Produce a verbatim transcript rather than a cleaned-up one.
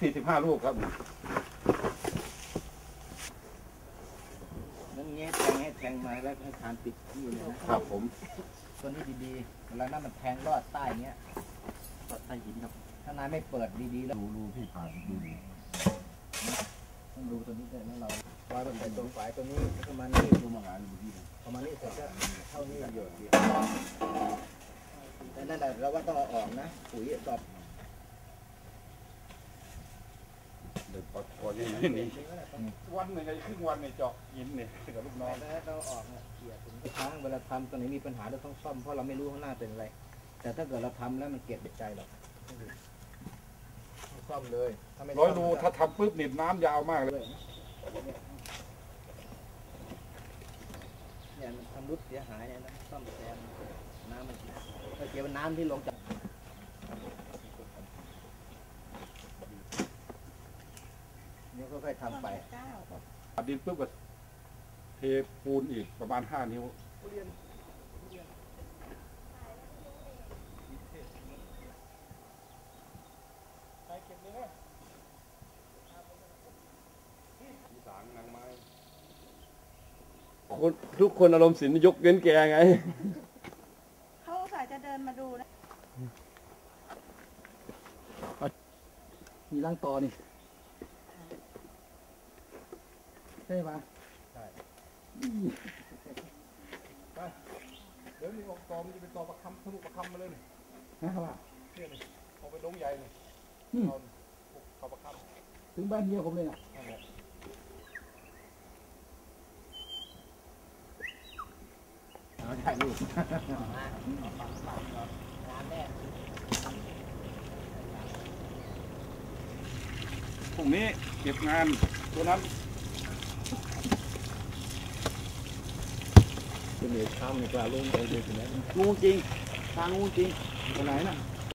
สี่สิบห้าลูกครับนั่นเงี้ยแทงให้แทงมาแล้วให้ทานปิดที่เลยนะครับผมตัวนี้ดีๆเวลานั้นมันแทงรอดใต้เนี้ยรอดใต้หินครับถ้านายไม่เปิดดีๆแล้วดูรูที่ผ่านดูต้องดูตัวนี้ด้วยนะเราวางใส่ตัวฝายตัวนี้ประมาณนี้ดูมางานดูที่ประมาณนี้เสร็จก็เท่านี้หยดเดียวแต่นั่นแหละเราว่าต้องเอาออกนะปุ๋ยตอบเดี๋ยวพอยังไงนี่วันหนึ่งไงครึ่งวันเนี่ยเจาะหินเนี่ยกับลูกน้องแล้วเราออกเนี่ยเกี่ยถึงครั้งเวลาทำตอนไหนมีปัญหาเราต้องซ่อมเพราะเราไม่รู้ข้างหน้าเป็นอะไรแต่ถ้าเกิดเราทำแล้วมันเก็บใจเราซ่อมเลยร้อยรูถ้าทำปุ๊บหนีบน้ำยาวมากเลยเนี่ยมันทำรุดเสียหายเนี่ยนะซ่อมแซมน้ำมันถ้าเกี่ยวกับน้ำที่ลงจากนี่ค่อยๆทำไปดินปุ๊บก็เทปูนอีกประมาณห้านิ้วคนทุกคนอารมณ์ศิลป์ยกเว้นแกไงเขาสายจะเดินมาดูนะมีร่างตอนี่ใช่ปะใช่ไปเดี๋ยวมีออกตอมันจะเป็นตอประคำทะลุประคำมาเลยนี่นะครับเนี่ยนี่ออกไปดงใหญ่นี่ตอนตอประคำถึงบ้านเมียผมเลยนะถ่ายรูปพรุ่งนี้เก็บงานตัวนั้นจะมีข้ามในกลางลุงไปเลยถึงไหนงูจริงทางงูจริงตัวไหนน่ะ